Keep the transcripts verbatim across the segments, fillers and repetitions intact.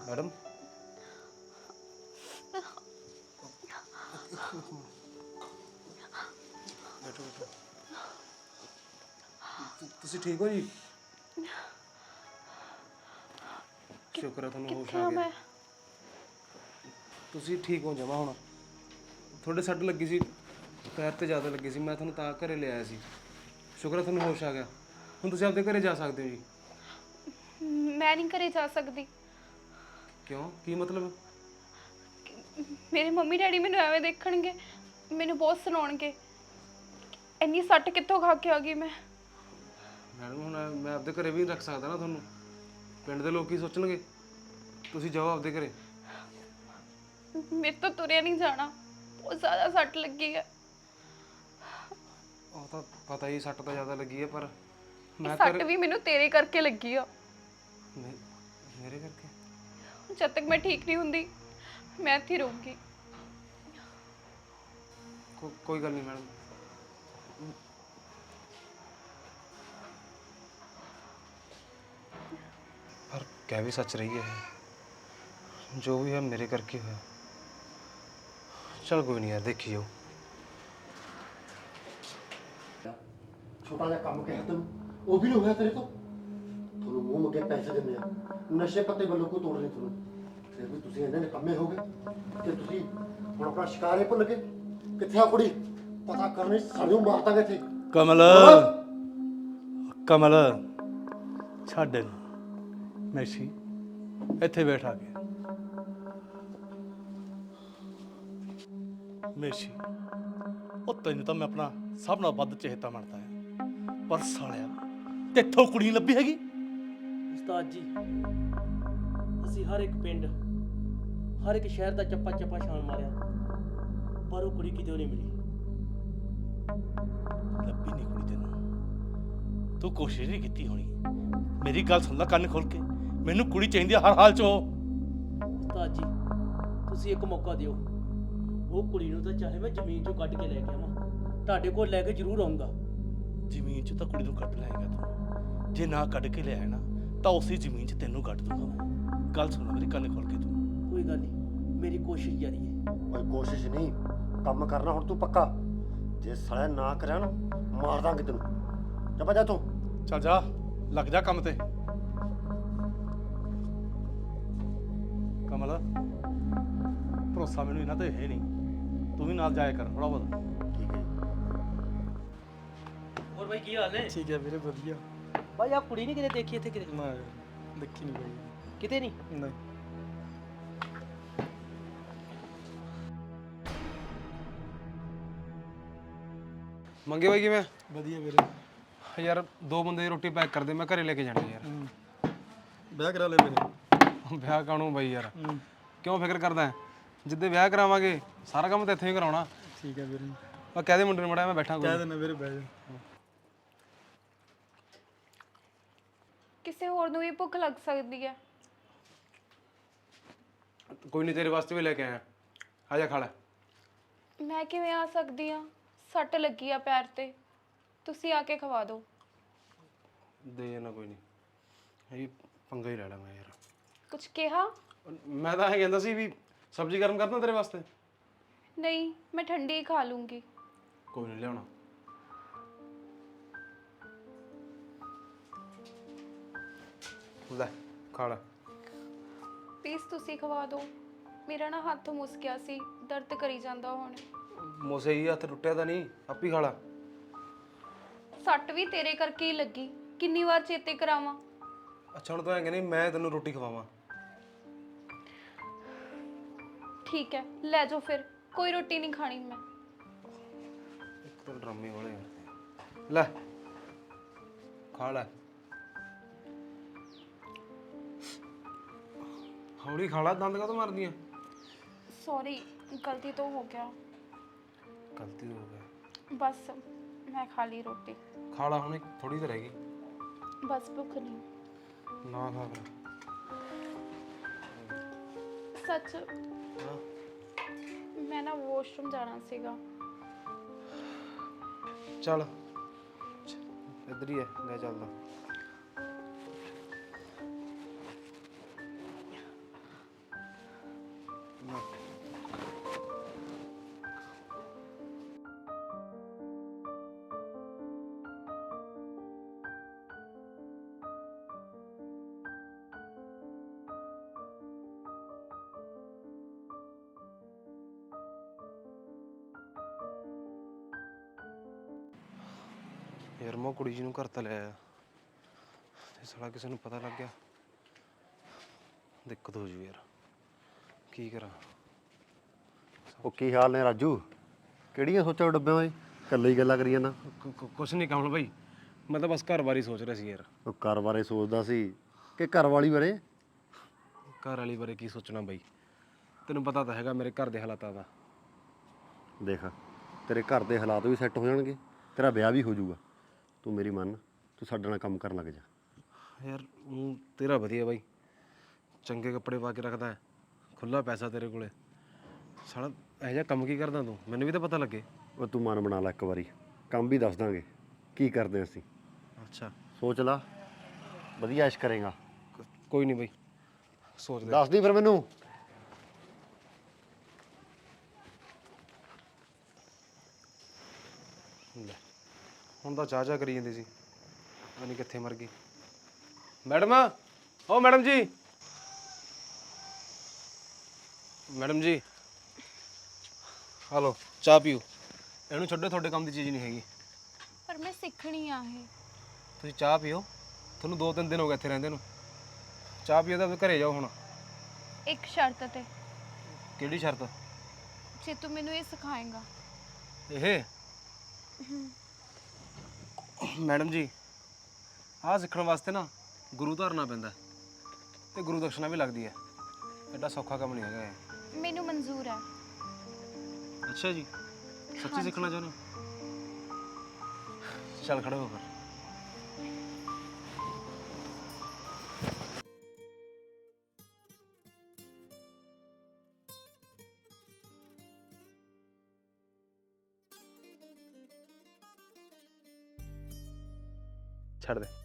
Madam बैठो बैठो तुसी ठीक हो जी शुक्र है तुहानू होश आ गया तुसी ठीक हो जावा हुण थोड़े सट लगी सी पैर ते ज़्यादा लगी सी मैं तुहानू तां घरे ले आया सी शुक्र है तुहानू होश आ गया हुण तुसी आपदे घरे जा सकदे हो जी मैं नहीं घरे जा सकती क्यों की मतलब मेरे मम्मी डैडी मैनू एवें देखणगे मैनू बहुत सुनाउणगे इन्नी सट कित्थों खा के आ गई मैं मैडम हुण मैं आपदे घरे भी नहीं रख सकदा ना तुहानू पिंड दे लोग की सोचणगे तुसी जाओ आपदे घरे मेरे तो तुरिया नहीं जाना बहुत ज़्यादा सट लगी है ਉਹ ਤਾਂ ਪਤਾ ਹੀ ਸੱਟ ਤਾਂ ਜ਼ਿਆਦਾ ਲੱਗੀ ਹੈ ਪਰ ਮੈਂ सट भी मैनू तेरे करके लगी आ ਮੇਰੇ ਕਰਕੇ जब तक मैं ठीक नहीं हुंदी मैं इत्थे रहूंगी ਕੋ- ਕੋਈ ਗੱਲ ਨਹੀਂ ਮੈਡਮ पर कह भी सच रही है जो भी है मेरे करके होया चल कोई नहीं यार देखी जाओ छोटा जिहा काम कहा तेन वो भी नहीं होया तेरे तो थोनू मूँह मंगे पैसे दिंदे आ नशे पत्ते ਵੱਲੋਂ ਕੋਈ ਤੋੜ ਨਹੀਂ ਤੁਹਾਨੂੰ ਫਿਰ ਵੀ ਤੁਸੀਂ ਇਹਨਾਂ ਦੇ ਕੰਮੇ ਹੋ ਗਏ ਤੇ ਤੁਸੀਂ ਹੁਣ ਆਪਣਾ ਸ਼ਿਕਾਰ ਹੀ ਭੁੱਲ ਗਏ ਕਿੱਥੇ ਆ ਕੁੜੀ ਪਤਾ ਕਰਨੀ ਸਾਨੂੰ ਮਾਰ ਦਾਂਗੇ ਇੱਥੇ ਕਮਲ ਕਮਲ ਛੱਡ ਇਹਨੂੰ ਮੈਸੀ ਇੱਥੇ ਬੈਠ ਆ ਕੇ ਮੈਸੀ ਉਹ ਤੈਨੂੰ ਤਾਂ ਮੈਂ ਆਪਣਾ ਸਭ ਨਾਲ ਵੱਧ ਚਹੇਤਾ ਮੰਨਦਾ ਹਾਂ ਪਰ ਸਾਲਿਆ ਤੇਥੋਂ ਕੁੜੀ ਨਹੀਂ ਲੱਭੀ ਹੈਗੀ ਉਸਤਾਦ ਜੀ ਅਸੀਂ ਹਰ ਇੱਕ ਪਿੰਡ ਹਰ ਇੱਕ ਸ਼ਹਿਰ ਦਾ ਚੱਪਾ ਚੱਪਾ ਛਾਣ ਮਾਰਿਆ ਪਰ ਉਹ ਕੁੜੀ ਕਿਤੇ ਨਹੀਂ ਮਿਲੀ ਲੱਭੀ ਨਹੀਂ ਕੁੜੀ ਤੈਨੂੰ ਤੂੰ ਕੋਸ਼ਿਸ਼ ਨਹੀਂ ਕੀਤੀ ਹੋਣੀ ਮੇਰੀ ਗੱਲ ਸੁਣ ਲੈ ਕੰਨ ਖੋਲ ਕੇ ਮੈਨੂੰ ਕੁੜੀ ਚਾਹੀਦੀ ਆ ਹਰ ਹਾਲ ਚ ਉਹ ਉਸਤਾਦ ਜੀ ਤੁਸੀਂ ਇੱਕ ਮੌਕਾ ਦਿਓ ਉਹ ਕੁੜੀ ਨੂੰ ਤਾਂ ਚਾਹੇ ਮੈਂ ਜ਼ਮੀਨ ਚੋਂ ਕੱਢ ਕੇ ਲੈ ਕੇ ਆਵਾਂ ਤੁਹਾਡੇ ਕੋਲ ਲੈ ਕੇ ਜ਼ਰੂਰ ਆਉਂਗਾ ਜ਼ਮੀਨ 'ਚ ਤਾਂ ਕੁੜੀ ਨੂੰ ਕੱਢ ਲਾਏਗਾ ਤੂੰ ਜੇ ਨਾ ਕੱਢ ਕੇ ਲਿਆਇਆ ਨਾ ਤਾਂ ਉਸੇ ਜ਼ਮੀਨ 'ਚ ਤੈਨੂੰ ਕੱਢ ਦੂੰਗਾ ਮੈਂ ਗੱਲ ਸੁਣ ਮੇਰੀ ਕੰਨ ਖੋਲ ਕੇ ਤੂੰ ਕੋਈ ਗੱਲ ਨਹੀਂ ਮੇਰੀ ਕੋਸ਼ਿਸ਼ ਜਾਰੀ ਹੈ ਕੋਈ ਕੋਸ਼ਿਸ਼ ਨਹੀਂ ਕੰਮ ਕਰਨਾ ਹੁਣ ਤੂੰ ਪੱਕਾ ਜੇ ਸਾਲਿਆ ਨਾ ਕਰਿਆ ਨਾ ਮਾਰ ਦਾਂਗੇ ਤੈਨੂੰ ਜਾ ਜਾ ਤੂੰ ਚੱਲ ਜਾ ਲੱਗ ਜਾ ਕੰਮ ਤੇ ਕਮਲ ਭਰੋਸਾ ਮੈਨੂੰ ਇਹਨਾਂ ਤੇ ਹੈ ਨਹੀਂ ਤੂੰ ਵੀ ਨਾਲ ਜਾਇਆ ਕਰ ਥੋੜਾ ਬਹੁਤ ਠੀਕ ਹੈ ਹੋਰ ਬਾਈ ਕੀ ਹਾਲ ਹੈ ਠੀਕ ਹੈ ਵੀਰੇ ਵਧੀਆ ਬਾਈ ਆ ਕੁੜੀ ਨਹੀਂ ਕਿਤੇ ਦੇਖੀ ਇੱਥੇ ਕਿਤੇ ਨਾ ਦੇਖੀ ਨਹੀਂ ਬਾਈ ਕਿਤੇ ਨਹੀਂ ਨਹੀਂ ਮੰਗੇ ਬਾਈ ਕਿਵੇਂ ਵਧੀਆ ਵੀਰੇ ਯਾਰ ਦੋ ਬੰਦੇ ਦੀ ਰੋਟੀ ਪੈਕ ਕਰ ਦੇ ਮੈਂ ਘਰੇ ਲੈ ਕੇ ਜਾਣਾ ਯਾਰ ਵਿਆਹ ਕਰਾ ਲੈ ਮੇਰੇ ਵਿਆਹ ਕਾਹਨੂੰ ਬਾਈ ਯਾਰ ਕਿਉਂ ਫਿਕਰ ਕਰਦਾ ਜਿੱਦੇ ਵਿਆਹ ਕਰਾਵਾਂਗੇ ਸਾਰਾ ਕੰਮ ਤਾਂ ਇੱਥੇ ਹੀ ਕਰਾਉਣਾ ਠੀਕ ਹੈ ਵੀਰੇ ਮੈਂ ਕਹਿ ਦੇ ਮੁੰਡੇ ਨੂੰ ਮੜਾ ਮੈਂ ਬੈਠਾ ਕਹਿ ਦੇਣਾ ਵੀਰੇ ਬਹਿ ਜਾ ਕਿਸੇ ਹੋਰ ਨੂੰ ਵੀ ਭੁੱਖ ਲੱਗ ਸਕਦੀ ਹੈ ਕੋਈ ਨਹੀਂ ਤੇਰੇ ਵਾਸਤੇ ਵੀ ਲੈ ਕੇ ਆਇਆ ਆ ਜਾ ਖਾ ਲੈ ਮੈਂ ਕਿਵੇਂ ਆ ਸਕਦੀ ਆ ਸੱਟ ਲੱਗੀ ਆ ਪੈਰ ਤੇ ਤੁਸੀਂ ਆ ਕੇ ਖਵਾ ਦਿਓ ਦੇ ਜਾਣਾ ਕੋਈ ਨਹੀਂ ਇਹ ਪੰਗਾ ਹੀ ਲੈ ਲਾ ਮੈਂ ਯਾਰ ਕੁਝ ਕਿਹਾ ਮੈਂ ਤਾਂ ਇਹ ਕਹਿੰਦਾ ਸੀ ਵੀ ਸਬਜ਼ੀ ਗਰਮ ਕਰਦਾ ਤੇਰੇ ਵਾਸਤੇ ਨਹੀਂ ਮੈਂ ਠੰਡੀ ਹੀ ਖਾ ਲੂੰਗੀ ਕੋਈ ਨਹੀਂ ਲਿਆਉਣਾ ਲੈ ਖਾ ਲੈ ਪਲੀਜ਼ ਤੁਸੀਂ ਖਵਾ ਦਿਓ ਮੇਰਾ ਨਾ ਹੱਥ ਮੁੱਸ ਗਿਆ ਸੀ ਦਰਦ ਕਰੀ ਜਾਂਦਾ ਹੁਣ ਮੋਸੇ ਹੀ ਹੱਥ ਟੁੱਟਿਆ ਤਾਂ ਨਹੀਂ ਆਪੀ ਖਾ ਲਾ ਸੱਟ ਵੀ ਤੇਰੇ ਕਰਕੇ ਹੀ ਲੱਗੀ ਕਿੰਨੀ ਵਾਰ ਚੇਤੇ ਕਰਾਵਾਂ ਅੱਛਾ ਹੁਣ ਤੂੰ ਐਂ ਕਹਿੰਦੀ ਮੈਂ ਤੈਨੂੰ ਰੋਟੀ ਖਵਾਵਾਂ ਠੀਕ ਹੈ ਲੈ ਜਾਓ ਫਿਰ ਕੋਈ ਰੋਟੀ ਨਹੀਂ ਖਾਣੀ ਮੈਂ ਇੱਕ ਤਾਂ ਡਰਾਮੇ ਵਾਲੇ ਯਾਰ ਲੈ ਖਾ ਲੈ ਹੌਲੀ ਖਾ ਲੈ ਦੰਦ ਕਾਹਤੋਂ ਮਾਰਦੀ ਆ ਸੌਰੀ ਗਲਤੀ ਤੋਂ ਹੋ ਗਿਆ ਗਲਤੀ ਹੋ ਗਈ ਬਸ ਮੈਂ ਖਾ ਲਈ ਰੋਟੀ ਖਾ ਲਾ ਹੁਣ ਥੋੜੀ ਤਾਂ ਰਹਿ ਗਈ ਬਸ ਭੁੱਖ ਨਹੀਂ ਨਾ ਖਾ ਫਿਰ ਸੱਚ ਹਾਂ ਮੈਂ ਨਾ ਵਾਸ਼ਰੂਮ ਜਾਣਾ ਸੀਗਾ ਚੱਲ ਇੱਧਰ ਹੀ ਹੈ ਲੈ ਚੱਲਦਾ ਯਾਰ ਮੈਂ ਉਹ ਕੁੜੀ ਜੀ ਨੂੰ ਘਰ ਤਾਂ ਲੈ ਆਇਆ ਤੇ ਸਾਲਾ ਕਿਸੇ ਨੂੰ ਪਤਾ ਲੱਗ ਗਿਆ ਦਿੱਕਤ ਹੋ ਜੂ ਯਾਰ ਕੀ ਕਰਾਂ। ਉਹ ਕੀ ਹਾਲ ਨੇ ਰਾਜੂ? ਕਿਹੜੀਆਂ ਸੋਚਾਂ ਡੱਬਿਆਂ ਓਏ? ਇਕੱਲੇ ਹੀ ਗੱਲਾਂ ਕਰੀ ਜਾਂਦਾ। ਕੁ- ਕੁ- ਕੁਛ ਨਹੀਂ ਕਮਲ ਭਾਈ, ਮੈਂ ਤਾਂ ਬਸ ਘਰ ਬਾਰੇ ਸੋਚ ਰਿਹਾ ਸੀ ਯਾਰ। ਉਹ ਘਰ ਬਾਰੇ ਸੋਚਦਾ ਸੀ ਕਿ ਘਰ ਵਾਲੀ ਬਾਰੇ? ਘਰ ਵਾਲੀ ਬਾਰੇ ਕੀ ਸੋਚਣਾ ਬਾਈ, ਤੈਨੂੰ ਪਤਾ ਤਾਂ ਹੈਗਾ ਮੇਰੇ ਘਰ ਦੇ ਹਾਲਾਤਾਂ ਦਾ। ਦੇਖ, ਤੇਰੇ ਘਰ ਦੇ ਹਾਲਾਤ ਵੀ ਸੈੱਟ ਹੋ ਜਾਣਗੇ, ਤੇਰਾ ਵਿਆਹ ਵੀ ਹੋ ਜਾਊਗਾ। ਤੂੰ ਮੇਰੀ ਮੰਨ, ਤੂੰ ਸਾਡੇ ਨਾਲ ਕੰਮ ਕਰਨ ਲੱਗ ਜਾ। ਯਾਰ ਊਂ ਤੇਰਾ ਵਧੀਆ ਬਾਈ, ਚੰਗੇ ਕੱਪੜੇ ਪਾ ਕੇ ਰੱਖਦਾ ਹੈ, ਖੁੱਲਾ ਪੈਸਾ ਤੇਰੇ ਕੋਲੇ। ਸਾਲਾ ਇਹੋ ਜਿਹਾ ਕੰਮ ਕੀ ਕਰਦਾ ਤੂੰ, ਮੈਨੂੰ ਵੀ ਤਾਂ ਪਤਾ ਲੱਗੇ। ਉਹ ਤੂੰ ਮਨ ਬਣਾ ਲੈ ਇੱਕ ਵਾਰੀ, ਕੰਮ ਵੀ ਦੱਸ ਦਾਂਗੇ ਕੀ ਕਰਦੇ ਅਸੀਂ। ਅੱਛਾ ਸੋਚ ਲਾ, ਵਧੀਆ ਐਸ਼ ਕਰੇਗਾ। ਕੋ- ਕੋਈ ਨਹੀਂ ਬਾਈ, ਸੋਚਦੇ। ਦੱਸ ਦੀ ਫਿਰ ਮੈਨੂੰ। ਲੈ ਹੁਣ ਤਾਂ ਚਾਹ ਚਾਹ ਕਰੀ ਜਾਂਦੀ ਸੀ, ਪਤਾ ਨਹੀਂ ਕਿੱਥੇ ਮਰ ਗਈ। ਮੈਡਮ, ਓ ਮੈਡਮ ਜੀ, ਮੈਡਮ ਜੀ ਹਲੋ ਚਾਹ ਪੀਓ। ਇਹਨੂੰ ਛੱਡੋ, ਤੁਹਾਡੇ ਕੰਮ ਦੀ ਚੀਜ਼ ਨਹੀਂ ਹੈਗੀ। ਪਰ ਮੈਂ ਸਿੱਖਣੀ ਆ ਇਹ। ਤੁਸੀਂ ਚਾਹ ਪੀਓ, ਤੁਹਾਨੂੰ ਦੋ ਤਿੰਨ ਦਿਨ ਹੋ ਗਏ ਇੱਥੇ ਰਹਿੰਦੇ ਨੂੰ। ਚਾਹ ਪੀਓ ਤਾਂ ਘਰੇ ਜਾਓ ਹੁਣ। ਇੱਕ ਸ਼ਰਤ ਤੇ, ਕਿਹੜੀ ਸ਼ਰਤ? ਜੇ ਤੂੰ ਮੈਨੂੰ ਇਹ ਸਿਖਾਏਂਗਾ। ਇਹ ਮੈਡਮ ਜੀ, ਆਹ ਸਿੱਖਣ ਵਾਸਤੇ ਨਾ ਗੁਰੂ ਧਾਰਨਾ ਪੈਂਦਾ ਤੇ ਗੁਰੂ ਦਕਸ਼ਨਾ ਵੀ ਲੱਗਦੀ ਹੈ। ਐਡਾ ਸੌਖਾ ਕੰਮ ਨਹੀਂ ਹੈਗਾ ਇਹ। ਮੈਨੂੰ ਮਨਜ਼ੂਰ ਹੈ। ਅੱਛਾ ਜੀ, ਸੱਚੀ ਸਿੱਖਣਾ ਚਾਹੁੰਦੇ ਹੋ? ਚੱਲ ਖੜੇ ਹੋ ਫਿਰ। ਛੱਡ ਦੇ।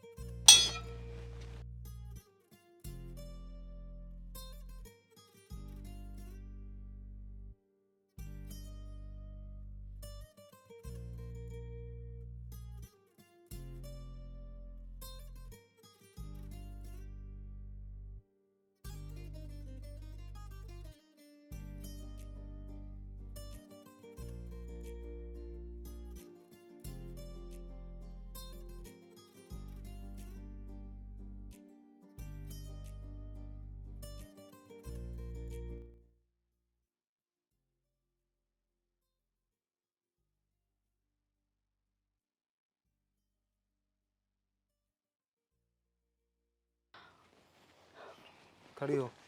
खड़ी हो।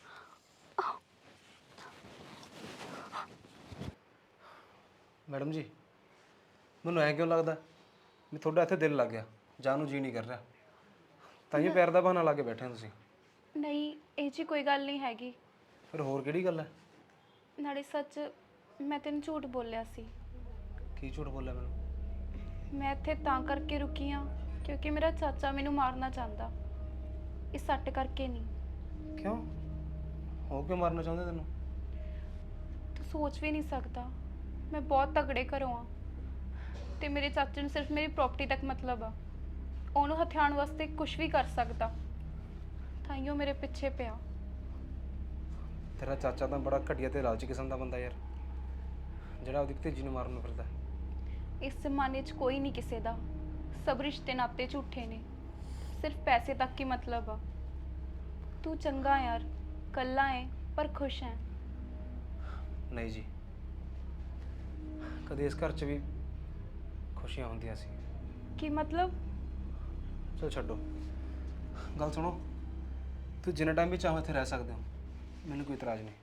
मैडम जी ਮੈਨੂੰ ਐ ਕਿਉਂ ਲੱਗਦਾ ਵੀ ਤੁਹਾਡਾ ਇੱਥੇ ਦਿਲ ਲੱਗ ਗਿਆ, ਜਾਣ ਨੂੰ ਜੀ ਨਹੀਂ ਕਰ ਰਿਹਾ, ਤਾਂ ਹੀ ਪੈਰ ਦਾ ਬਹਾਨਾ ਲਾ ਕੇ ਬੈਠੇ ਹੋ ਤੁਸੀਂ। ਨਹੀਂ, ਇਹ ਜੀ ਕੋਈ ਗੱਲ ਨਹੀਂ ਹੈਗੀ। ਫਿਰ ਹੋਰ ਕਿਹੜੀ ਗੱਲ ਹੈ? ਨਾਲੇ ਸੱਚ, ਮੈਂ ਤੈਨੂੰ ਝੂਠ ਬੋਲਿਆ ਸੀ। ਕੀ ਝੂਠ ਬੋਲਿਆ ਮੈਨੂੰ? ਮੈਂ ਇੱਥੇ ਤਾਂ ਕਰਕੇ ਰੁਕੀ ਹਾਂ ਕਿਉਂਕਿ ਮੇਰਾ ਚਾਚਾ ਮੈਨੂੰ ਮਾਰਨਾ ਚਾਹੁੰਦਾ, ਇਸ ਸੱਟ ਕਰਕੇ ਨਹੀਂ। ਕਿਉਂ? ਹੋ ਕਿਉਂ ਮਾਰਨਾ ਚਾਹੁੰਦੇ ਤੈਨੂੰ? ਤੂੰ ਸੋਚ ਵੀ ਨਹੀਂ ਸਕਦਾ, ਮੈਂ ਬਹੁਤ ਤਗੜੇ ਘਰੋਂ ਆ ਤੇ ਮੇਰੇ ਚਾਚੇ ਨੂੰ ਸਿਰਫ ਮੇਰੀ ਪ੍ਰਾਪਰਟੀ ਤੱਕ ਮਤਲਬ ਆ। ਉਹਨੂੰ ਹਥਿਆਉਣ ਵਾਸਤੇ ਕੁਝ ਵੀ ਕਰ ਸਕਦਾ, ਤਾਂ ਹੀ ਉਹ ਮੇਰੇ ਪਿੱਛੇ ਪਿਆ। ਤੇਰਾ ਚਾਚਾ ਤਾਂ ਬੜਾ ਘਟੀਆ ਤੇ ਲਾਲਚੀ ਕਿਸਮ ਦਾ ਬੰਦਾ ਯਾਰ, ਜਿਹੜਾ ਉਹਦੀ ਭਤੀਜੀ ਨੂੰ ਮਾਰਨ ਨੂੰ ਫਿਰਦਾ। ਇਸ ਜ਼ਮਾਨੇ 'ਚ ਕੋਈ ਨਹੀਂ ਕਿਸੇ ਦਾ, ਸਭ ਰਿਸ਼ਤੇ ਨਾਤੇ ਝੂਠੇ ਨੇ, ਸਿਰਫ ਪੈਸੇ ਤੱਕ ਹੀ ਮਤਲਬ ਆ। ਤੂੰ ਚੰਗਾ ਯਾਰ, ਕੱਲਾ ਹੈ ਪਰ ਖੁਸ਼ ਹੈ। ਨਹੀਂ ਜੀ, ਕਦੇ ਇਸ ਘਰ 'ਚ ਵੀ ਖੁਸ਼ੀਆਂ ਹੁੰਦੀਆਂ ਸੀ। ਕੀ ਮਤਲਬ? ਚਲ ਛੱਡੋ, ਗੱਲ ਸੁਣੋ, ਤੂੰ ਜਿੰਨਾ ਟਾਈਮ ਵੀ ਚਾਹੋ ਇੱਥੇ ਰਹਿ ਸਕਦੇ ਹੋ, ਮੈਨੂੰ ਕੋਈ ਇਤਰਾਜ਼ ਨਹੀਂ।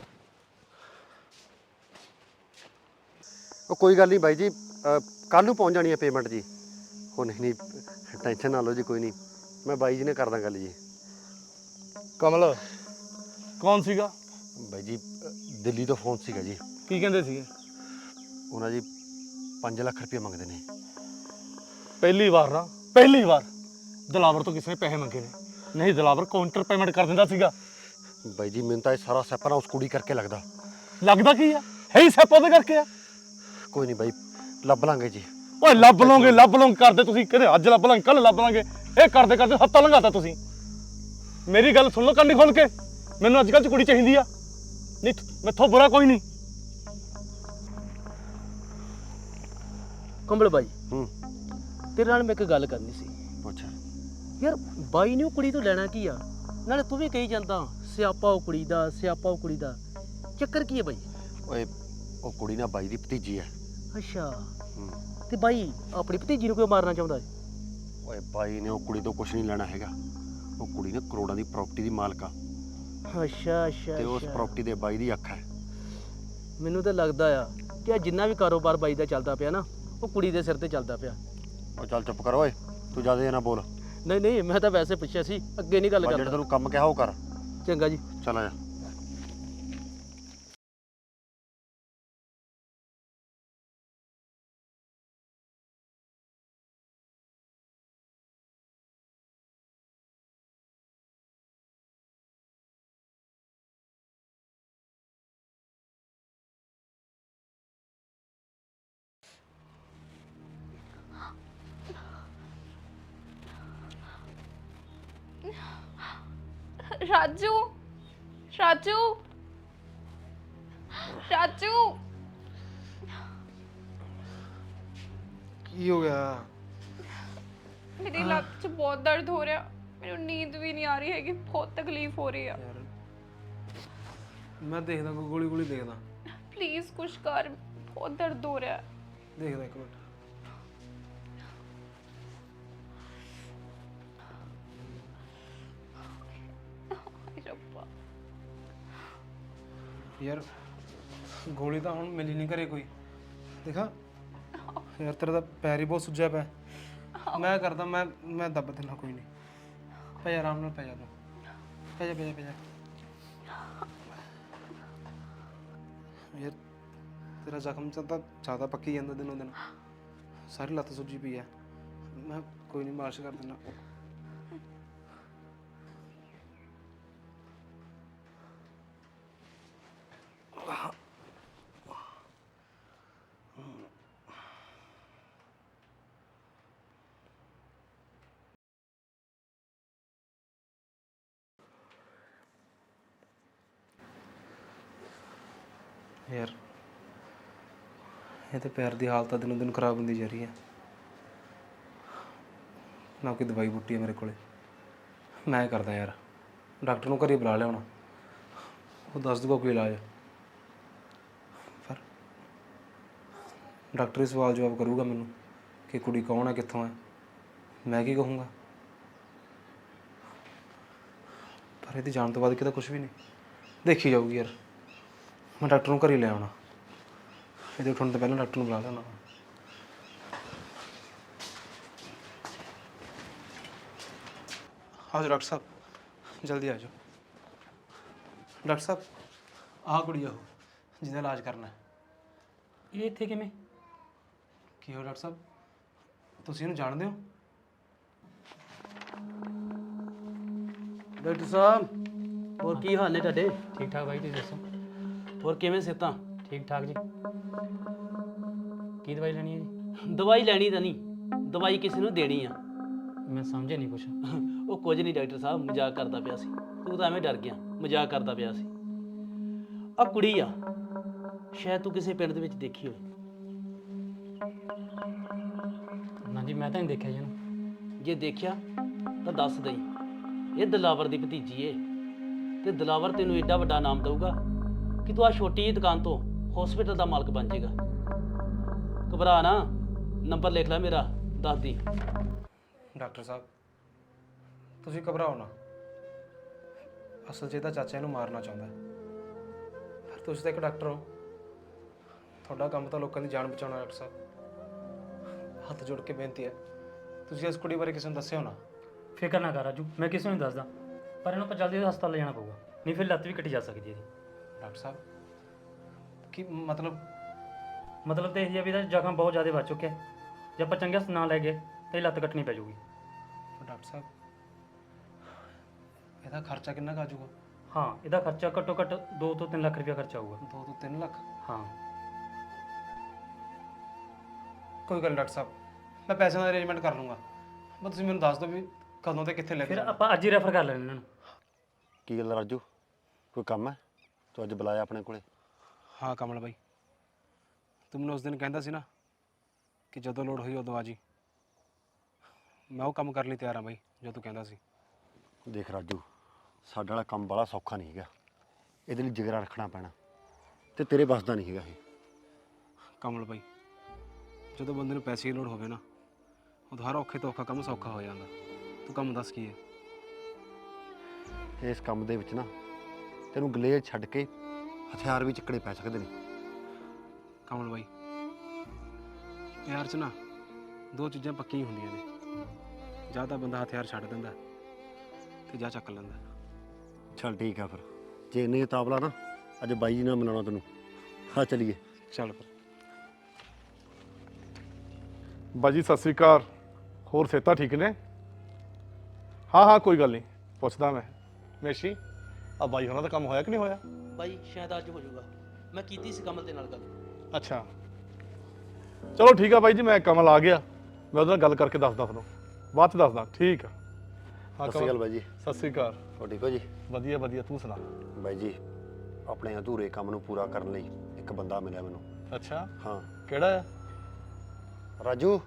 ਉਹ ਕੋਈ ਗੱਲ ਨਹੀਂ ਬਾਈ ਜੀ, ਕੱਲ ਨੂੰ ਪਹੁੰਚ ਜਾਣੀ ਹੈ ਪੇਮੈਂਟ ਜੀ। ਉਹ ਨਹੀਂ ਨਹੀਂ, ਟੈਨਸ਼ਨ ਨਾ ਲਓ ਜੀ, ਕੋਈ ਨਹੀਂ, ਮੈਂ ਬਾਈ ਜੀ ਨੇ ਕਰਦਾ ਗੱਲ ਜੀ। ਕਮਲ ਕੌਣ ਸੀਗਾ? ਬਾਈ ਜੀ, ਦਿੱਲੀ ਤੋਂ ਫੋਨ ਸੀਗਾ ਜੀ। ਕੀ ਕਹਿੰਦੇ ਸੀਗੇ? ਉਹਨਾਂ ਜੀ ਪੰਜ ਲੱਖ ਰੁਪਏ ਮੰਗਦੇ ਨੇ। ਪਹਿਲੀ ਵਾਰ ਨਾ, ਪਹਿਲੀ ਵਾਰ ਦਿਲਾਵਰ ਤੋਂ ਕਿਸੇ ਨੇ ਪੈਸੇ ਮੰਗੇ ਨੇ, ਨਹੀਂ ਦਿਲਾਵਰ ਕਾਊਂਟਰ ਪੇਮੈਂਟ ਕਰ ਦਿੰਦਾ ਸੀਗਾ। ਬਾਈ ਜੀ ਮੈਨੂੰ ਤਾਂ ਇਹ ਸਾਰਾ ਸਿਆਪਾ ਨਾ ਉਸ ਕੁੜੀ ਕਰਕੇ ਲੱਗਦਾ। ਲੱਗਦਾ ਕੀ ਆ, ਹੈ ਹੀ ਸਿਆਪਾ ਉਹਦੇ ਕਰਕੇ ਆ। ਕੋਈ ਨਹੀਂ ਬਾਈ, ਲੱਭ ਲਾਂਗੇ ਜੀ। ਓਏ ਲੱਭ ਲਓਗੇ ਲੱਭ ਲਓਗੇ ਕਰਦੇ ਤੁਸੀਂ, ਕਹਿੰਦੇ ਅੱਜ ਲੱਭ ਲਾਂਗੇ ਕੱਲ ਲੱਭ ਲਾਂਗੇ, ਇਹ ਕਰਦੇ ਕਰਦੇ ਹੱਥਾਂ ਲੰਘਾਤਾ ਤੁਸੀਂ। ਮੇਰੀ ਗੱਲ ਸੁਣ ਲਓ ਕੰਨੀ ਖੋਲ ਕੇ, ਮੈਨੂੰ ਅੱਜ ਕੱਲ੍ਹ ਚ ਕੁੜੀ ਚਾਹੀਦੀ ਆ, ਨਹੀਂ ਮੈਥੋਂ ਬੁਰਾ ਕੋਈ ਨਹੀਂ। ਕੰਬਲ ਬਾਈ, ਹੂੰ ਤੇਰੇ ਨਾਲ ਮੈਂ ਇੱਕ ਗੱਲ ਕਰਨੀ ਸੀ ਅੱਛਾ। ਯਾਰ। ਬਾਈ ਨੇ ਉਹ ਕੁੜੀ ਤੋਂ ਲੈਣਾ ਕੀ ਆ? ਨਾਲੇ ਤੂੰ ਵੀ ਕਹੀ ਜਾਂਦਾ ਸਿਆਪਾ ਉਹ ਕੁੜੀ ਦਾ, ਸਿਆਪਾ ਉਹ ਕੁੜੀ ਦਾ। ਚੱਕਰ ਕੀ ਹੈ ਬਾਈ? ਓਏ ਉਹ ਕੁੜੀ ਨਾ ਬਾਈ ਦੀ ਭਤੀਜੀ ਹੈ। ਅੱਛਾ, ਹੂੰ ਤੇ ਬਾਈ ਆਪਣੀ ਭਤੀਜੀ ਨੂੰ ਕਿਉਂ ਮਾਰਨਾ ਚਾਹੁੰਦਾ ਹੈ? ਓਏ ਬਾਈ ਨੇ ਉਹ ਕੁੜੀ ਤੋਂ ਕੁਝ ਨਹੀਂ ਲੈਣਾ ਹੈਗਾ। ਉਹ ਕੁੜੀ ਨਾ ਕਰੋੜਾਂ ਦੀ ਪ੍ਰਾਪਰਟੀ ਦੀ ਮਾਲਕ ਆ ਅੱਛਾ ਅੱਛਾ ਤੇ ਉਸ ਅੱਛਾ। ਪ੍ਰਾਪਰਟੀ ਦੇ ਬਾਈ ਦੀ ਅੱਖ ਹੈ। ਮੈਨੂੰ ਤਾਂ ਲੱਗਦਾ ਆ ਕਿ ਆ ਜਿੰਨਾ ਵੀ ਕਾਰੋਬਾਰ ਬਾਈ ਦਾ ਚੱਲਦਾ ਪਿਆ ਨਾ, ਉਹ ਕੁੜੀ ਦੇ ਸਿਰ ਤੇ ਚੱਲਦਾ ਪਿਆ। ਉਹ ਚੱਲ ਚੁੱਪ ਕਰ ਓਏ, ਤੂੰ ਜ਼ਿਆਦਾ ਨਾ ਬੋਲ। ਨਹੀਂ ਨਹੀਂ, ਮੈਂ ਤਾਂ ਵੈਸੇ ਪੁੱਛਿਆ ਸੀ, ਅੱਗੇ ਨਹੀਂ ਗੱਲ ਜਿਹੜਾ ਕਰਦਾ। ਤੈਨੂੰ ਕੰਮ ਕਿਹਾ ਉਹ ਕਰ। ਚੰਗਾ ਜੀ। ਚੱਲ ਆ ਜਾ। ਰਾਜੂ ਰਾਜੂ ਰਾਜੂ ਕੀ ਹੋ ਗਿਆ? ਮੇਰੀ ਲੱਤ 'ਚ ਬਹੁਤ ਦਰਦ ਹੋ ਰਿਹਾ, ਮੈਨੂੰ ਨੀਂਦ ਵੀ ਨਹੀਂ ਆ ਰਹੀ ਹੈਗੀ, ਬਹੁਤ ਤਕਲੀਫ ਹੋ ਰਹੀ ਆ। ਯਾਰ ਮੈਂ ਦੇਖਦਾ, ਕੋਈ ਗੋਲੀ ਗੋਲੀ ਦੇਖਦਾ। ਪਲੀਜ਼ ਕੁਛ ਕਰ, ਬਹੁਤ ਦਰਦ ਹੋ ਰਿਹਾ। ਦੇਖਦਾ ਇੱਕ ਮਿੰਟ। ਹਾਏ ਰੱਬਾ, ਯਾਰ ਗੋਲੀ ਤਾਂ ਹੁਣ ਮਿਲੀ ਨਹੀਂ ਘਰੇ ਕੋਈ। ਦੇਖਾ ਯਾਰ, ਤੇਰਾ ਤਾਂ ਪੈਰ ਹੀ ਬਹੁਤ ਸੁੱਜਿਆ ਪਿਆ। ਮੈਂ ਕਰਦਾ, ਮੈਂ ਮੈਂ ਦੱਬ ਦਿੰਦਾ, ਕੋਈ ਨਹੀਂ। ਪੈ ਜਾ, ਆਰਾਮ ਨਾਲ ਪੈ ਜਾ ਤੂੰ। ਪੈ ਜਾ ਪੈ ਜਾ ਪੈ ਜਾ। ਯਾਰ ਤੇਰਾ ਜ਼ਖਮ ਤਾਂ ਜ਼ਿਆਦਾ ਪੱਕੀ ਜਾਂਦਾ ਦਿਨੋਂ ਦਿਨ, ਸਾਰੀ ਲੱਤ ਸੁੱਜੀ ਪਈ ਹੈ। ਮੈਂ ਕੋਈ ਨਹੀਂ, ਮਾਲਿਸ਼ ਕਰ ਦਿੰਦਾ। ਯਾਰ ਇਹ ਤੇ ਪੈਰ ਦੀ ਹਾਲਤ ਦਿਨੋਂ ਦਿਨ ਖਰਾਬ ਹੁੰਦੀ ਜਾ ਰਹੀ ਹੈ। ਨਾ ਕੋਈ ਦਵਾਈ ਬੂਟੀ ਹੈ ਮੇਰੇ ਕੋਲੇ। ਮੈਂ ਕਰਦਾ ਯਾਰ, ਡਾਕਟਰ ਨੂੰ ਘਰੇ ਬੁਲਾ ਲਿਆਉਣਾ, ਉਹ ਦੱਸ ਦੂਗਾ ਕੋਈ ਇਲਾਜ। ਪਰ ਡਾਕਟਰ ਹੀ ਸਵਾਲ ਜਵਾਬ ਕਰੂਗਾ ਮੈਨੂੰ ਕਿ ਕੁੜੀ ਕੌਣ ਹੈ, ਕਿੱਥੋਂ ਹੈ। ਮੈਂ ਕੀ ਕਹੂੰਗਾ? ਪਰ ਇਹਦੀ ਜਾਣ ਤੋਂ ਬਾਅਦ ਕਿਤੇ ਕੁਝ ਵੀ ਨਹੀਂ, ਦੇਖੀ ਜਾਊਗੀ ਯਾਰ। ਮੈਂ ਡਾਕਟਰ ਨੂੰ ਘਰੇ ਲੈ ਆਉਣਾ, ਇਹਦੇ ਉੱਠਣ ਤੋਂ ਪਹਿਲਾਂ ਡਾਕਟਰ ਨੂੰ ਬੁਲਾ ਲੈਣਾ। ਆ ਜਾਓ ਡਾਕਟਰ ਸਾਹਿਬ, ਜਲਦੀ ਆ ਜਾਓ। ਡਾਕਟਰ ਸਾਹਿਬ, ਆਹ ਕੁੜੀ ਆ ਉਹ ਜਿਹਦਾ ਇਲਾਜ ਕਰਨਾ ਹੈ। ਇਹ ਇੱਥੇ ਕਿਵੇਂ? ਕੀ ਹੋ ਡਾਕਟਰ ਸਾਹਿਬ, ਤੁਸੀਂ ਇਹਨੂੰ ਜਾਣਦੇ ਹੋ? ਡਾਕਟਰ ਸਾਹਿਬ, ਹੋਰ ਕੀ ਹਾਲ ਨੇ ਤੁਹਾਡੇ? ਠੀਕ ਠਾਕ ਬਾਈ, ਤੁਸੀਂ ਦੱਸੋ? ਹੋਰ ਕਿਵੇਂ ਸਿਹਤਾਂ? ਠੀਕ ਠਾਕ ਜੀ। ਕੀ ਦਵਾਈ ਲੈਣੀ ਹੈ ਜੀ? ਦਵਾਈ ਲੈਣੀ ਤਾਂ ਨਹੀਂ, ਦਵਾਈ ਕਿਸੇ ਨੂੰ ਦੇਣੀ ਆ। ਮੈਂ ਸਮਝਿਆ ਨਹੀਂ ਕੁਛ। ਉਹ ਕੁਝ ਨਹੀਂ ਡਾਕਟਰ ਸਾਹਿਬ, ਮਜ਼ਾਕ ਕਰਦਾ ਪਿਆ ਸੀ। ਤੂੰ ਤਾਂ ਐਵੇਂ ਡਰ ਗਿਆ, ਮਜ਼ਾਕ ਕਰਦਾ ਪਿਆ ਸੀ। ਆ ਕੁੜੀ ਆ, ਸ਼ਾਇਦ ਤੂੰ ਕਿਸੇ ਪਿੰਡ ਦੇ ਵਿੱਚ ਦੇਖੀ ਹੋਵੇ। ਨਾ ਜੀ, ਮੈਂ ਤਾਂ ਨਹੀਂ ਦੇਖਿਆ ਜੀ ਇਹਨੂੰ। ਜੇ ਦੇਖਿਆ ਤਾਂ ਦੱਸ ਦਈ, ਇਹ ਦਿਲਾਵਰ ਦੀ ਭਤੀਜੀ ਏ। ਤੇ ਦਿਲਾਵਰ ਤੈਨੂੰ ਏਡਾ ਵੱਡਾ ਨਾਮ ਦਊਗਾ ਕਿ ਤੂੰ ਆ ਛੋਟੀ ਜਿਹੀ ਦੁਕਾਨ ਤੋਂ ਹਸਪੀਟਲ ਦਾ ਮਾਲਕ ਬਣ ਜਾਏਗਾ। ਘਬਰਾ ਨਾ, ਨੰਬਰ ਲਿਖ ਲੈ ਮੇਰਾ, ਦੱਸ ਦੀ। ਡਾਕਟਰ ਸਾਹਿਬ ਤੁਸੀਂ ਘਬਰਾਓ ਨਾ, ਅਸਲ 'ਚ ਇਹਦਾ ਚਾਚਾ ਇਹਨੂੰ ਮਾਰਨਾ ਚਾਹੁੰਦਾ ਹੈ। ਪਰ ਤੁਸੀਂ ਤਾਂ ਇੱਕ ਡਾਕਟਰ ਹੋ, ਤੁਹਾਡਾ ਕੰਮ ਤਾਂ ਲੋਕਾਂ ਦੀ ਜਾਨ ਬਚਾਉਣਾ। ਡਾਕਟਰ ਸਾਹਿਬ ਹੱਥ ਜੋੜ ਕੇ ਬੇਨਤੀ ਹੈ, ਤੁਸੀਂ ਇਸ ਕੁੜੀ ਬਾਰੇ ਕਿਸੇ ਨੂੰ ਦੱਸਿਓ ਨਾ। ਫਿਕਰ ਨਾ ਕਰ ਰਾਜੂ, ਮੈਂ ਕਿਸੇ ਨੂੰ ਨਹੀਂ ਦੱਸਦਾ, ਪਰ ਇਹਨੂੰ ਆਪਾਂ ਜਲਦੀ ਹਸਪਤਾਲ ਲੈ ਜਾਣਾ ਪਊਗਾ, ਨਹੀਂ ਫਿਰ ਲੱਤ ਵੀ ਕੱਟੀ ਜਾ ਸਕਦੀ ਇਹਦੀ। ਡਾਕਟਰ ਸਾਹਿਬ ਕੀ ਮਤਲਬ? ਮਤਲਬ ਤਾਂ ਇਹ ਹੀ ਆ ਵੀ ਇਹਦਾ ਜ਼ਖਮ ਬਹੁਤ ਜ਼ਿਆਦਾ ਵੱਜ ਚੁੱਕਿਆ, ਜੇ ਆਪਾਂ ਚੰਗੇ ਹਸਪਤਾਲ ਨਾ ਲੈ ਗਏ ਤਾਂ ਇਹ ਲੱਤ ਕੱਟਣੀ ਪੈ ਜਾਊਗੀ। ਡਾਕਟਰ ਸਾਹਿਬ ਇਹਦਾ ਖਰਚਾ ਕਿੰਨਾ ਕੁ ਆ ਜਾਊਗਾ? ਹਾਂ ਇਹਦਾ ਖਰਚਾ ਘੱਟੋ ਘੱਟ ਦੋ ਤੋਂ ਤਿੰਨ ਲੱਖ ਰੁਪਇਆ ਖਰਚਾ ਆਊਗਾ। ਦੋ ਤੋਂ ਤਿੰਨ ਲੱਖ? ਹਾਂ ਕੋਈ ਗੱਲ ਨਹੀਂ ਡਾਕਟਰ ਸਾਹਿਬ, ਮੈਂ ਪੈਸਿਆਂ ਦਾ ਅਰੇਂਜਮੈਂਟ ਕਰ ਲੂੰਗਾ। ਬਸ ਤੁਸੀਂ ਮੈਨੂੰ ਦੱਸ ਦਿਓ ਵੀ ਕਦੋਂ ਤੇ ਕਿੱਥੇ ਲੈ ਕੇ ਫਿਰ ਜਾਣਾ। ਆਪਾਂ ਅੱਜ ਹੀ ਰੈਫਰ ਕਰ ਲੈਣੇ ਇਹਨਾਂ ਨੂੰ। ਕੀ ਗੱਲ ਰਾਜੂ, ਕੋਈ ਕੰਮ ਹੈ ਤੂੰ ਅੱਜ ਬੁਲਾਇਆ ਆਪਣੇ ਕੋਲੇ? ਹਾਂ ਕਮਲ ਬਾਈ, ਤੂੰ ਮੈਨੂੰ ਉਸ ਦਿਨ ਕਹਿੰਦਾ ਸੀ ਨਾ ਕਿ ਜਦੋਂ ਲੋੜ ਹੋਈ ਉਦੋਂ ਆ ਜੀ। ਮੈਂ ਉਹ ਕੰਮ ਕਰਨ ਲਈ ਤਿਆਰ ਹਾਂ ਬਾਈ ਜੋ ਤੂੰ ਕਹਿੰਦਾ ਸੀ। ਦੇਖ ਰਾਜੂ, ਸਾਡਾ ਵਾਲਾ ਕੰਮ ਬੜਾ ਸੌਖਾ ਨਹੀਂ ਹੈਗਾ, ਇਹਦੇ ਲਈ ਜਿਗਰਾ ਰੱਖਣਾ ਪੈਣਾ ਤੇ ਤੇਰੇ ਵੱਸ ਦਾ ਨਹੀਂ ਹੈਗਾ ਇਹ। ਕਮਲ ਬਾਈ, ਜਦੋਂ ਬੰਦੇ ਨੂੰ ਪੈਸੇ ਦੀ ਲੋੜ ਹੋਵੇ ਨਾ, ਉਦੋਂ ਹਰ ਔਖੇ ਤੋਂ ਔਖਾ ਕੰਮ ਸੌਖਾ ਹੋ ਜਾਂਦਾ। ਤੂੰ ਕੰਮ ਦੱਸ ਕੀ ਹੈ? ਇਸ ਕੰਮ ਦੇ ਵਿੱਚ ਨਾ ਤੈਨੂੰ ਗਲੇਜ ਛੱਡ ਕੇ ਹਥਿਆਰ ਵੀ ਚੱਕਣੇ ਪੈ ਸਕਦੇ ਨੇ। ਕਮਲ ਬਾਈ, ਪਿਆਰ 'ਚ ਨਾ ਦੋ ਚੀਜ਼ਾਂ ਪੱਕੀਆਂ ਹੀ ਹੁੰਦੀਆਂ ਨੇ, ਜਾਂ ਤਾਂ ਬੰਦਾ ਹਥਿਆਰ ਛੱਡ ਦਿੰਦਾ ਤੇ ਜਾਂ ਚੱਕ ਲੈਂਦਾ। ਚੱਲ ਠੀਕ ਆ ਫਿਰ, ਜੇ ਇੰਨੇ ਤਾਬਲਾ ਨਾ ਅੱਜ ਬਾਈ ਜੀ ਨਾਲ ਮਿਲਾਉਣਾ ਤੈਨੂੰ। ਹਾਂ ਚਲੀਏ। ਚੱਲ ਫਿਰ। ਬਾਜੀ ਸਤਿ ਸ੍ਰੀ ਅਕਾਲ। ਹੋਰ ਸਿਹਤਾਂ ਠੀਕ ਨੇ? ਹਾਂ ਹਾਂ ਕੋਈ ਗੱਲ ਨਹੀਂ, ਪੁੱਛਦਾ ਮੈਂ। ਮੇਸ਼ੀ, ਆ ਬਾਈ ਹੋਣਾ ਦਾ ਕੰਮ ਹੋਇਆ ਕਿ ਨਹੀਂ ਹੋਇਆ? ਬਾਈ ਸ਼ਾਇਦ ਅੱਜ ਹੋ ਜਾਊਗਾ, ਮੈਂ ਕੀਤੀ ਸੀ ਕਮਲ ਦੇ ਨਾਲ ਗੱਲ। ਅੱਛਾ ਚਲੋ ਠੀਕ ਆ ਬਾਈ ਜੀ, ਮੈਂ ਕਮਲ ਆ ਗਿਆ, ਮੈਂ ਉਹਦੇ ਨਾਲ ਗੱਲ ਕਰਕੇ ਦੱਸਦਾ ਤੁਹਾਨੂੰ, ਬਾਅਦ ਚ ਦੱਸਦਾ। ਠੀਕ ਆ। ਹਾਂ ਸਤਿ ਸ਼੍ਰੀ ਅਕਾਲ ਬਾਈ ਜੀ। ਸਤਿ ਸ੍ਰੀ ਅਕਾਲ। ਹੋਰ ਠੀਕ ਹੋ ਜੀ? ਵਧੀਆ ਵਧੀਆ, ਤੂੰ ਸੁਣਾ? ਬਾਈ ਜੀ, ਆਪਣੇ ਅਧੂਰੇ ਕੰਮ ਨੂੰ ਪੂਰਾ ਕਰਨ ਲਈ ਇੱਕ ਬੰਦਾ ਮਿਲਿਆ ਮੈਨੂੰ। ਅੱਛਾ, ਹਾਂ। ਕਿਹੜਾ ਆ? ਰਾਜੂ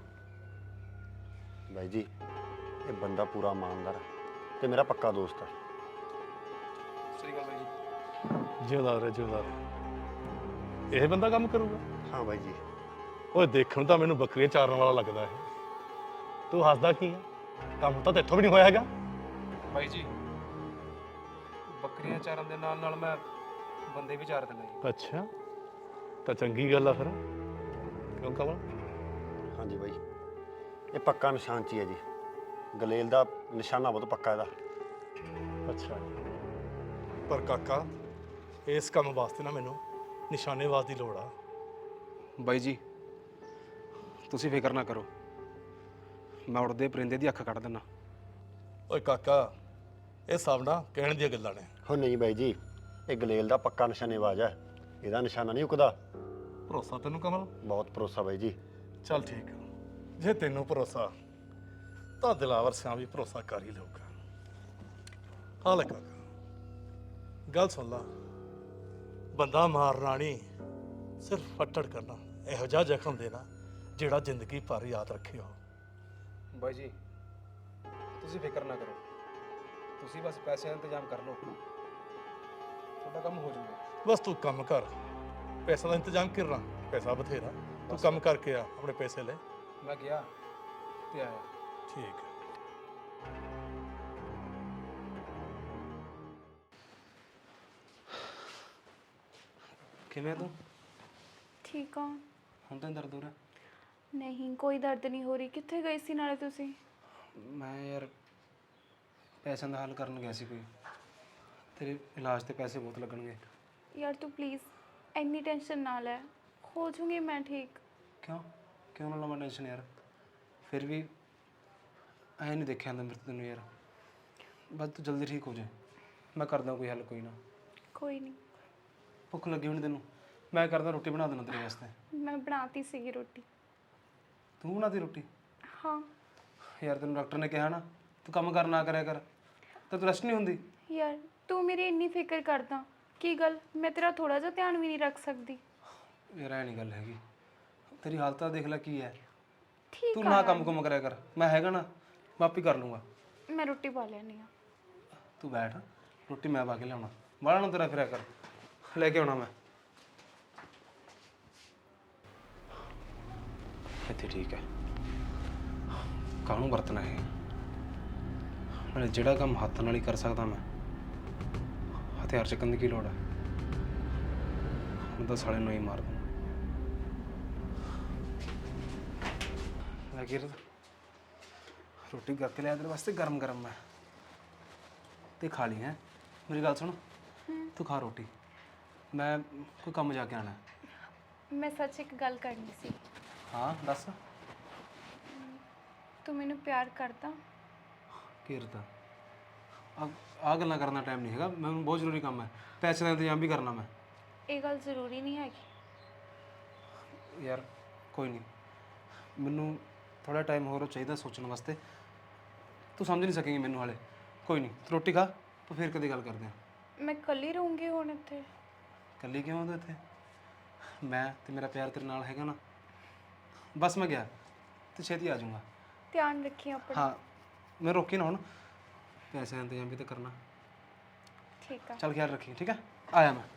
ਬਾਈ ਜੀ, ਇਹ ਬੰਦਾ ਪੂਰਾ ਇਮਾਨਦਾਰ ਹੈ ਤੇ ਮੇਰਾ ਪੱਕਾ ਦੋਸਤ ਹੈ। ਸਹੀ ਗੱਲ ਬਾਈ ਜੀ। ਜਿਉਂਦਾ ਰਹੇ ਜਿਉਂਦਾ ਰਹੇ। ਇਹ ਬੰਦਾ ਕੰਮ ਕਰੂਗਾ? ਹਾਂ ਬਾਈ ਜੀ। ਓਏ ਦੇਖਣ ਤਾਂ ਮੈਨੂੰ ਬੱਕਰੀਆਂ ਚਾਰਨ ਵਾਲਾ ਲੱਗਦਾ ਹੈ। ਤੂੰ ਹੱਸਦਾ ਕੀ ਹੈ? ਕੰਮ ਤਾਂ ਤੇਥੋਂ ਵੀ ਨਹੀਂ ਹੋਇਆ ਹੈਗਾ। ਬਾਈ ਜੀ, ਬੱਕਰੀਆਂ ਚਾਰਨ ਦੇ ਨਾਲ ਨਾਲ ਮੈਂ ਬੰਦੇ ਵੀ ਚਾਰ ਦਿੰਦਾ ਜੀ। ਅੱਛਾ, ਤਾਂ ਚੰਗੀ ਗੱਲ ਆ ਫਿਰ। ਕਿਉਂ ਕਮਲ? ਹਾਂਜੀ ਬਾਈ, ਇਹ ਪੱਕਾ ਨਿਸ਼ਾਨ 'ਚ ਹੀ ਹੈ ਜੀ। ਗਲੇਲ ਦਾ ਨਿਸ਼ਾਨਾ ਬਹੁਤ ਪੱਕਾ ਇਹਦਾ। ਅੱਛਾ, ਪਰ ਕਾਕਾ ਇਸ ਕੰਮ ਵਾਸਤੇ ਨਾ ਮੈਨੂੰ ਨਿਸ਼ਾਨੇਬਾਜ਼ ਦੀ ਲੋੜ ਆ। ਬਾਈ ਜੀ, ਤੁਸੀਂ ਫਿਕਰ ਨਾ ਕਰੋ, ਮੈਂ ਉੜਦੇ ਪਰਿੰਦੇ ਦੀ ਅੱਖ ਕੱਢ ਦਿੰਦਾ। ਓਏ ਕਾਕਾ, ਇਹ ਸਭ ਨਾ ਕਹਿਣ ਦੀਆਂ ਗੱਲਾਂ ਨੇ। ਹੋ ਨਹੀਂ ਬਾਈ ਜੀ, ਇਹ ਗਲੇਲ ਦਾ ਪੱਕਾ ਨਿਸ਼ਾਨੇਬਾਜ਼ ਹੈ, ਇਹਦਾ ਨਿਸ਼ਾਨਾ ਨਹੀਂ ਉਕਦਾ। ਭਰੋਸਾ ਤੈਨੂੰ ਕਮਲ? ਬਹੁਤ ਭਰੋਸਾ ਬਾਈ ਜੀ। ਚੱਲ ਠੀਕ ਆ, ਜੇ ਤੈਨੂੰ ਭਰੋਸਾ ਤਾਂ ਦਿਲਾਵਰ ਸਿਆਂ ਵੀ ਭਰੋਸਾ ਕਰ ਹੀ ਲਊਗਾ। ਹਾਂ ਲੈ ਕਾਕਾ, ਗੱਲ ਸੁਣ ਲਾ, ਬੰਦਾ ਮਾਰਨਾ ਨਹੀਂ, ਸਿਰਫ ਫੱਟੜ ਕਰਨਾ, ਇਹੋ ਜਿਹਾ ਜ਼ਖਮ ਦੇਣਾ ਜਿਹੜਾ ਜ਼ਿੰਦਗੀ ਭਰ ਯਾਦ ਰੱਖਿਓ। ਬਾਈ ਜੀ, ਤੁਸੀਂ ਫਿਕਰ ਨਾ ਕਰੋ, ਤੁਸੀਂ ਬਸ ਪੈਸਿਆਂ ਦਾ ਇੰਤਜ਼ਾਮ ਕਰ ਲਓ, ਤੁਹਾਡਾ ਕੰਮ ਹੋ ਜਾਊਗਾ। ਬਸ ਤੂੰ ਕੰਮ ਕਰ, ਪੈਸਾ ਦਾ ਇੰਤਜ਼ਾਮ ਕਰਨਾ, ਪੈਸਾ ਬਥੇਰਾ, ਤੂੰ ਕੰਮ ਕਰਕੇ ਆ, ਆਪਣੇ ਪੈਸੇ ਲੈ। ਮੈਂ ਗਿਆ ਤੇ ਆਇਆ। ਠੀਕ ਹੈ। ਕਿਵੇਂ ਤੂੰ? ਠੀਕ ਆ। ਹੁਣ ਤਾਂ ਨੀ ਦਰਦ ਹੋ ਰਿਹਾ? ਨਹੀਂ ਕੋਈ ਦਰਦ ਨਹੀਂ ਹੋ ਰਹੀ। ਕਿੱਥੇ ਗਏ ਸੀ ਨਾਲੇ ਤੁਸੀਂ? ਮੈਂ ਯਾਰ ਪੈਸਿਆਂ ਦਾ ਹੱਲ ਕਰਨ ਗਿਆ ਸੀ ਕੋਈ, ਤੇਰੇ ਇਲਾਜ ਤੇ ਪੈਸੇ ਬਹੁਤ ਲੱਗਣਗੇ। ਯਾਰ ਤੂੰ ਪਲੀਜ਼ ਇੰਨੀ ਟੈਨਸ਼ਨ ਨਾ ਲੈ, ਹੋ ਜੂੰਗੀ ਮੈਂ ਠੀਕ। ਕਿਉਂ ਕਿਉਂ ਨਾ ਲਵਾਂ ਟੈਨਸ਼ਨ ਯਾਰ? ਫਿਰ ਵੀ ਐਂ ਨਹੀਂ ਦੇਖਿਆ ਜਾਂਦਾ ਮੇਰੇ ਤੋਂ ਤੈਨੂੰ ਯਾਰ। ਬਸ ਤੂੰ ਜਲਦੀ ਠੀਕ ਹੋ ਜਾ, ਮੈਂ ਕਰਦਾ ਕੋਈ ਹੱਲ। ਕੋਈ ਨਾ, ਕੋਈ ਨਹੀਂ। ਭੁੱਖ ਲੱਗੀ ਹੋਣੀ ਤੈਨੂੰ? ਮੈਂ ਕਰਦਾ ਰੋਟੀ ਬਣਾ ਦੇਣਾ ਤੇਰੇ ਵਾਸਤੇ। ਮੈਂ ਬਣਾਤੀ ਸੀਗੀ ਰੋਟੀ। ਤੂੰ ਬਣਾਤੀ ਰੋਟੀ? ਹਾਂ ਯਾਰ ਤੈਨੂੰ ਡਾਕਟਰ ਨੇ ਕਿਹਾ ਨਾ ਤੂੰ ਕੰਮ ਕਰ ਨਾ ਕਰਿਆ ਕਰ, ਤਾਂ ਤੂੰ ਰੈਸਟ ਨਹੀਂ ਹੁੰਦੀ? ਯਾਰ ਤੂੰ ਮੇਰੀ ਇੰਨੀ ਫਿਕਰ ਕਰਦਾ, ਕੀ ਗੱਲ ਮੈਂ ਤੇਰਾ ਥੋੜਾ ਜਿਹਾ ਧਿਆਨ ਵੀ ਨਹੀਂ ਰੱਖ ਸਕਦੀ? ਯਾਰ ਐ ਨਹੀਂ ਗੱਲ ਹੈਗੀ, ਤੇਰੀ ਹਾਲਤ ਤਾਂ ਦੇਖ ਲੈ ਕੀ ਹੈ। ਠੀਕ ਤੂੰ ਆ ਨਾ ਕੰਮ ਕੁਮ ਕਰਿਆ ਕਰ, ਮੈਂ ਹੈਗਾ ਨਾ, ਮੈਂ ਆਪੇ ਕਰ ਲੂੰਗਾ। ਮੈਂ ਰੋਟੀ ਪਾ ਲੈਣੀ ਆ। ਤੂੰ ਬੈਠ, ਰੋਟੀ ਮੈਂ ਪਾ ਕੇ ਲਿਆਉਣਾ। ਬਾਹਲਾ ਨਾ ਤੇਰਾ ਫਿਰਿਆ ਕਰ, ਲੈ ਕੇ ਆਉਣਾ ਮੈਂ। ਇੱਥੇ ਠੀਕ ਹੈ, ਕਾਹਨੂੰ ਵਰਤਣਾ ਹੈ? ਨਾਲੇ ਜਿਹੜਾ ਕੰਮ ਹੱਥ ਨਾਲ ਹੀ ਕਰ ਸਕਦਾ ਮੈਂ, ਹਥਿਆਰ ਚੱਕਣ ਦੀ ਕੀ ਲੋੜ ਹੈ? ਹੁਣ ਤਾਂ ਸਾਲੇ ਨੂੰ ਹੀ ਮਾਰ ਦੂੰ। ਲੱਗੀ ਰੋਟੀ ਕਰਕੇ ਲਿਆ ਤੇਰੇ ਵਾਸਤੇ ਗਰਮ ਗਰਮ ਮੈਂ, ਤੇ ਖਾ ਲਈ ਹੈ। ਮੇਰੀ ਗੱਲ ਸੁਣ, ਤੂੰ ਖਾ ਰੋਟੀ, ਮੈਂ ਕੋਈ ਕੰਮ ਜਾ ਕੇ ਆਣਾ। ਮੈਂ ਸੱਚ ਇੱਕ ਗੱਲ ਕਰਨੀ ਸੀ। ਹਾਂ ਦੱਸ। ਤੂੰ ਮੈਨੂੰ ਪਿਆਰ ਕਰਦਾ? ਘੇਰਦਾ ਆ ਆਹ ਗੱਲਾਂ ਕਰਨ ਦਾ ਟਾਈਮ ਨਹੀਂ ਹੈਗਾ, ਮੈਨੂੰ ਬਹੁਤ ਜ਼ਰੂਰੀ ਕੰਮ ਹੈ, ਪੈਸੇ ਦਾ ਇੰਤਜ਼ਾਮ ਵੀ ਕਰਨਾ ਮੈਂ। ਇਹ ਗੱਲ ਜ਼ਰੂਰੀ ਨਹੀਂ ਹੈਗੀ। ਯਾਰ ਕੋਈ ਨਹੀਂ, ਮੈਨੂੰ ਥੋੜਾ ਟਾਈਮ ਹੋਰ ਚਾਹੀਦਾ ਸੋਚਣ ਵਾਸਤੇ। ਤੂੰ ਸਮਝ ਨਹੀਂ ਸਕੇਂਗੀ ਮੈਨੂੰ ਹਾਲੇ। ਕੋਈ ਨਹੀਂ, ਤੂੰ ਰੋਟੀ ਖਾ, ਤੂੰ ਫਿਰ ਕਦੇ ਗੱਲ ਕਰਦੇ ਹਾਂ। ਮੈਂ ਇਕੱਲੀ ਰਹੂੰਗੀ ਹੁਣ ਇੱਥੇ। ਇਕੱਲੀ ਕਿਉਂ ਆਉਂਦਾ ਇੱਥੇ? ਮੈਂ ਤੇ ਮੇਰਾ ਪਿਆਰ ਤੇਰੇ ਨਾਲ ਹੈਗਾ ਨਾ। ਬਸ ਮੈਂ ਗਿਆ ਤੇ ਛੇਤੀ ਆ ਜਾਊਂਗਾ। ਧਿਆਨ ਰੱਖੀ ਆਪਣਾ। ਹਾਂ, ਮੈਂ ਰੋਕੀ ਨਾ ਹੁਣ, ਪੈਸੇ ਦਾ ਇੰਤਜ਼ਾਮ ਵੀ ਤਾਂ ਕਰਨਾ। ਠੀਕ ਆ। ਚੱਲ ਖਿਆਲ ਰੱਖੀ, ਠੀਕ ਹੈ? ਆਇਆ ਮੈਂ।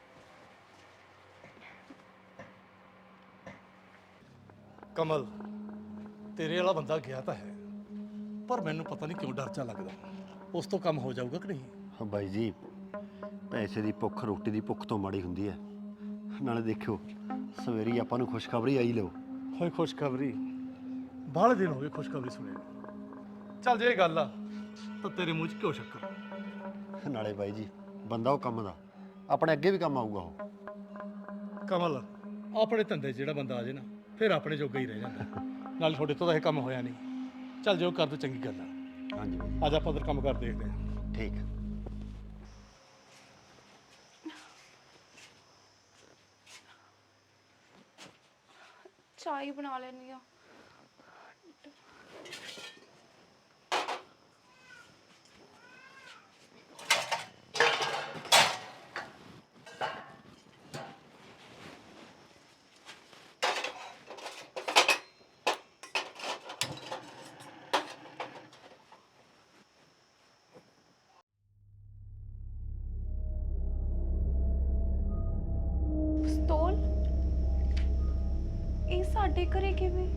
ਕਮਲ, ਤੇਰੇ ਵਾਲਾ ਬੰਦਾ ਗਿਆ ਤਾਂ ਹੈ, ਪਰ ਮੈਨੂੰ ਪਤਾ ਨਹੀਂ ਕਿਉਂ ਡਰ ਜਾ ਲੱਗਦਾ। ਉਸ ਤੋਂ ਕੰਮ ਹੋ ਜਾਊਗਾ ਕਿ ਨਹੀਂ? ਹਾਂ ਬਾਈ ਜੀ, ਪੈਸੇ ਦੀ ਭੁੱਖ ਰੋਟੀ ਦੀ ਭੁੱਖ ਤੋਂ ਮਾੜੀ ਹੁੰਦੀ ਹੈ। ਨਾਲੇ ਦੇਖਿਓ, ਸਵੇਰੀ ਆਪਾਂ ਨੂੰ ਖੁਸ਼ਖਬਰੀ ਆਈ ਲਿਓ। ਹੋਏ ਖੁਸ਼ਖਬਰੀ? ਬਾਹਲੇ ਦਿਨ ਹੋ ਗਏ ਖੁਸ਼ਖਬਰੀ ਸੁਣੇ ਨੂੰ। ਚੱਲ ਜੇ ਇਹ ਗੱਲ ਆ ਤਾਂ ਤੇਰੇ ਮੂੰਹ 'ਚ ਕਿਉਂ ਸ਼ੱਕਰ? ਨਾਲੇ ਬਾਈ ਜੀ, ਬੰਦਾ ਉਹ ਕੰਮ ਦਾ, ਆਪਣੇ ਅੱਗੇ ਵੀ ਕੰਮ ਆਊਗਾ ਉਹ। ਕਮਲ, ਆਪਣੇ ਧੰਦੇ 'ਚ ਜਿਹੜਾ ਬੰਦਾ ਆ ਜੇ ਨਾ, ਫਿਰ ਆਪਣੇ ਜੋਗਾ ਹੀ ਰਹਿ ਜਾਂਦਾ। ਨਾਲ ਤੁਹਾਡੇ ਤੋਂ ਤਾਂ ਇਹ ਕੰਮ ਹੋਇਆ ਨਹੀਂ। ਚੱਲ ਜੋ ਕਰ ਦੋ, ਚੰਗੀ ਗੱਲ ਆ। ਹਾਂਜੀ ਬਾਈ ਜੀ, ਅੱਜ ਆਪਾਂ ਉਧਰ ਕੰਮ ਕਰ ਦੇਖਦੇ ਹਾਂ। ਠੀਕ ਹੈ। ਚਾਹ ਹੀ ਬਣਾ ਲੈਣੀ ਆ। ਪਿਸਤੌਲ? ਇਹ ਸਾਡੇ ਘਰੇ ਕਿਵੇਂ?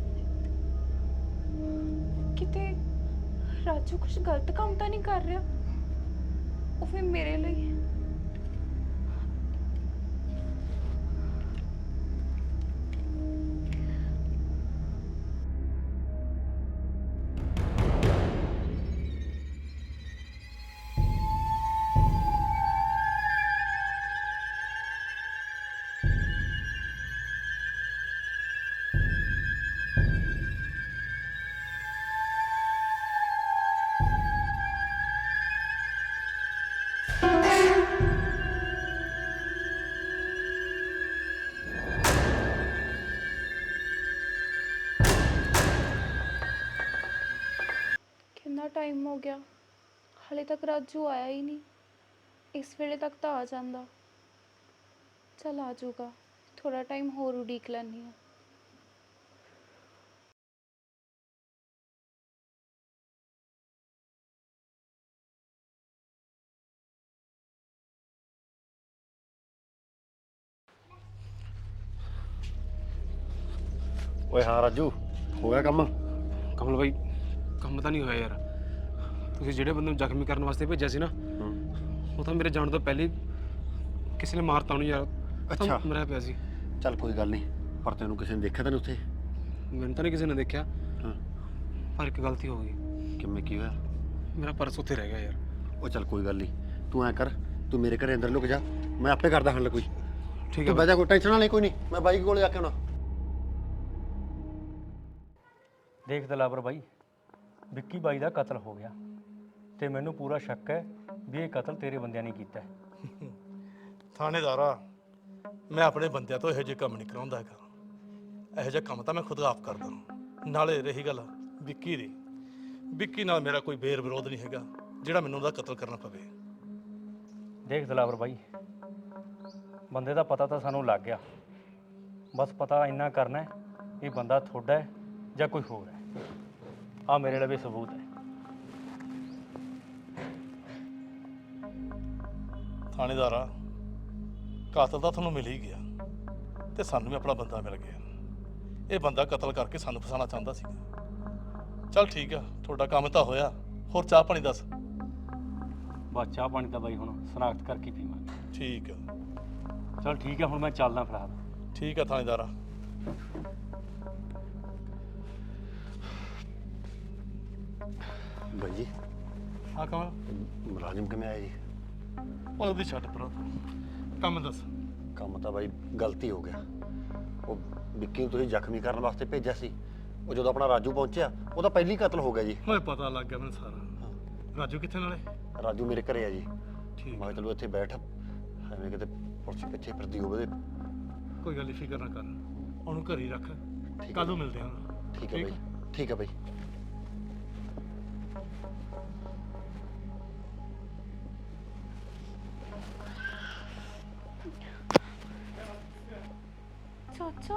ਕਿਤੇ ਰਾਜੂ ਕੁਝ ਗਲਤ ਕੰਮ ਤਾਂ ਨਹੀਂ ਕਰ ਰਿਹਾ? ਉਹ ਫਿਰ ਮੇਰੇ ਲਈ। ਕਿੰਨਾ ਟਾਈਮ ਹੋ ਗਿਆ, ਹਾਲੇ ਤੱਕ ਰਾਜੂ ਆਇਆ ਹੀ ਨਹੀਂ। ਇਸ ਵੇਲੇ ਤੱਕ ਤਾਂ ਆ ਜਾਂਦਾ। ਚਲ ਆ ਜਾਊਗਾ, ਥੋੜਾ ਟਾਈਮ ਹੋਰ ਉਡੀਕ ਲੈਂਦੀ ਹਾਂ। ਓਏ ਹਾਂ ਰਾਜੂ, ਹੋ ਗਿਆ ਕੰਮ? ਕਮਲ ਬਾਈ, ਕੰਮ ਤਾਂ ਨਹੀਂ ਹੋਇਆ ਯਾਰ। ਤੁਸੀਂ ਜਿਹੜੇ ਬੰਦੇ ਨੂੰ ਜ਼ਖਮੀ ਕਰਨ ਵਾਸਤੇ ਭੇਜਿਆ ਸੀ ਨਾ, ਉਹ ਤਾਂ ਮੇਰੇ ਜਾਣ ਤੋਂ ਪਹਿਲੇ ਹੀ ਕਿਸੇ ਨੇ ਮਾਰਤਾ ਉਹਨੂੰ ਯਾਰ। ਅੱਛਾ। ਮਰਿਆ ਪਿਆ ਸੀ। ਚੱਲ ਕੋਈ ਗੱਲ ਨਹੀਂ, ਪਰ ਤੈਨੂੰ ਕਿਸੇ ਨੇ ਦੇਖਿਆ ਤਾਂ ਨਹੀਂ ਉੱਥੇ? ਮੈਨੂੰ ਤਾਂ ਨਹੀਂ ਕਿਸੇ ਨੇ ਦੇਖਿਆ, ਹਾਂ। ਪਰ ਇੱਕ ਗਲਤੀ ਹੋ ਗਈ। ਕਿਵੇਂ, ਕੀ ਹੋਇਆ? ਮੇਰਾ ਪਰਸ ਉੱਥੇ ਰਹਿ ਗਿਆ ਯਾਰ। ਉਹ ਚੱਲ ਕੋਈ ਗੱਲ ਨਹੀਂ, ਤੂੰ ਐਂ ਕਰ, ਤੂੰ ਮੇਰੇ ਘਰੇ ਅੰਦਰ ਲੁਕ ਜਾ, ਮੈਂ ਆਪੇ ਕਰਦਾ ਹੱਲ ਕੋਈ। ਠੀਕ ਹੈ ਤੂੰ ਬਹਿ ਜਾ, ਕੋਈ ਟੈਨਸ਼ਨ ਨਾ ਲਈ, ਕੋਈ ਨਹੀਂ, ਮੈਂ ਬਾਈ ਕੋਲ ਜਾ ਕੇ ਆਉਣਾ। ਦੇਖ ਦਲਾਵਰ ਬਾਈ, ਵਿੱਕੀ ਬਾਈ ਦਾ ਕਤਲ ਹੋ ਗਿਆ ਤੇ ਮੈਨੂੰ ਪੂਰਾ ਸ਼ੱਕ ਹੈ ਵੀ ਇਹ ਕਤਲ ਤੇਰੇ ਬੰਦਿਆਂ ਨੇ ਕੀਤਾ ਹੈ। ਥਾਣੇਦਾਰਾ, ਮੈਂ ਆਪਣੇ ਬੰਦਿਆਂ ਤੋਂ ਇਹੋ ਜਿਹੇ ਕੰਮ ਨਹੀਂ ਕਰਾਉਂਦਾ ਹੈਗਾ। ਇਹੋ ਜਿਹਾ ਕੰਮ ਤਾਂ ਮੈਂ ਖੁਦ ਆਪ ਕਰਦਾ। ਨਾਲੇ ਰਹੀ ਗੱਲ ਵਿੱਕੀ ਦੀ, ਵਿੱਕੀ ਨਾਲ ਮੇਰਾ ਕੋਈ ਬੇਰ ਵਿਰੋਧ ਨਹੀਂ ਹੈਗਾ ਜਿਹੜਾ ਮੈਨੂੰ ਉਹਦਾ ਕਤਲ ਕਰਨਾ ਪਵੇ। ਦੇਖ ਦਲਾਵਰ ਬਾਈ, ਬੰਦੇ ਦਾ ਪਤਾ ਤਾਂ ਸਾਨੂੰ ਲੱਗ ਗਿਆ, ਬਸ ਪਤਾ ਇੰਨਾ ਕਰਨਾ ਹੈ ਇਹ ਬੰਦਾ ਤੁਹਾਡਾ ਹੈ ਜਾਂ ਕੋਈ ਹੋਰ ਹੈ। ਆ ਮੇਰੇ ਲਈ ਵੀ ਸਬੂਤ ਹੈ। ਥਾਣੇਦਾਰਾ, ਕਾਤਲ ਤਾਂ ਤੁਹਾਨੂੰ ਮਿਲ ਹੀ ਗਿਆ ਤੇ ਸਾਨੂੰ ਵੀ ਆਪਣਾ ਬੰਦਾ ਮਿਲ ਗਿਆ। ਇਹ ਬੰਦਾ ਕਤਲ ਕਰਕੇ ਸਾਨੂੰ ਫਸਾਉਣਾ ਚਾਹੁੰਦਾ ਸੀਗਾ। ਚੱਲ ਠੀਕ ਆ, ਤੁਹਾਡਾ ਕੰਮ ਤਾਂ ਹੋਇਆ। ਹੋਰ ਚਾਹ ਪਾਣੀ ਦੱਸ। ਬਸ ਚਾਹ ਪਾਣੀ ਤਾਂ ਬਾਈ ਹੁਣ ਸਨਾਖਤ ਕਰਕੇ ਪੀਵਾਂਗੇ। ਠੀਕ ਆ, ਚਲ ਠੀਕ ਹੈ, ਹੁਣ ਮੈਂ ਚੱਲਦਾ ਫਿਲਹਾਲ। ਠੀਕ ਆ ਥਾਣੇਦਾਰਾ। ਬਾਈ ਜੀ, ਹਾਂ ਕਮਲ, ਮੁਲਾਜ਼ਮ ਕਿਵੇਂ ਆਇਆ ਜੀ? ਉਹਦੀ ਛੱਡ ਪਰ, ਕੰਮ ਦੱਸ। ਕੰਮ ਤਾਂ ਬਾਈ ਗਲਤੀ ਹੋ ਗਿਆ। ਉਹ ਵਿੱਕੀ ਨੂੰ ਤੁਸੀਂ ਜ਼ਖਮੀ ਕਰਨ ਵਾਸਤੇ ਭੇਜਿਆ ਸੀ, ਉਹ ਜਦੋਂ ਆਪਣਾ ਰਾਜੂ ਪਹੁੰਚਿਆ ਉਹਦਾ ਪਹਿਲੀ ਕਤਲ ਹੋ ਗਿਆ ਜੀ। ਓਏ ਪਤਾ ਲੱਗ ਗਿਆ ਮੈਨੂੰ ਸਾਰਾ। ਰਾਜੂ ਕਿੱਥੇ ਨਾਲੇ? ਰਾਜੂ ਮੇਰੇ ਘਰੇ ਆ ਜੀ। ਠੀਕ ਮੈਂ ਕਿਹਾ ਚਲੋ ਇੱਥੇ ਬੈਠ, ਐਵੇਂ ਕਿਤੇ ਪੁਲਿਸ ਪਿੱਛੇ ਫਿਰਦੀ ਹੋਵੇ। ਕੋਈ ਗੱਲ ਨਹੀਂ, ਫਿਕਰ ਨਾ ਕਰ, ਉਹਨੂੰ ਘਰੇ ਹੀ ਰੱਖ, ਕੱਲ ਨੂੰ ਮਿਲਦੇ ਹਾਂ। ਠੀਕ ਹੈ ਬਾਈ, ਠੀਕ ਹੈ ਬਾਈ। ਚਾਚਾ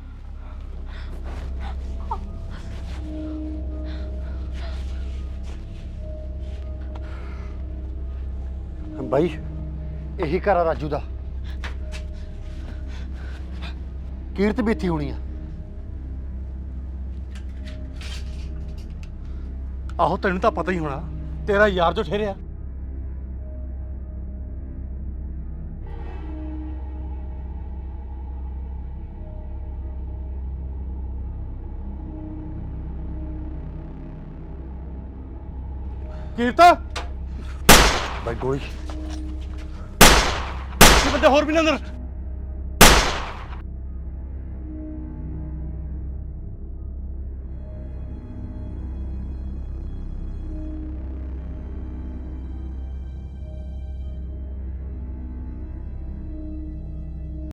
ਬਾਈ ਇਹੀ ਘਰ ਆ ਰਾਜੂ ਦਾ। ਕੀਰਤ ਵੀ ਇੱਥੇ ਹੋਣੀ ਆ। ਆਹੋ ਤੈਨੂੰ ਤਾਂ ਪਤਾ ਹੀ ਹੋਣਾ, ਤੇਰਾ ਯਾਰ ਜੋ ਠਹਿਰਿਆ। ਕੀਰਤਾ ਬਾਈ ਗੋਲੀ ਬੰਦੇ ਹੋਰ ਵੀ ਨੇ ਅੰਦਰ।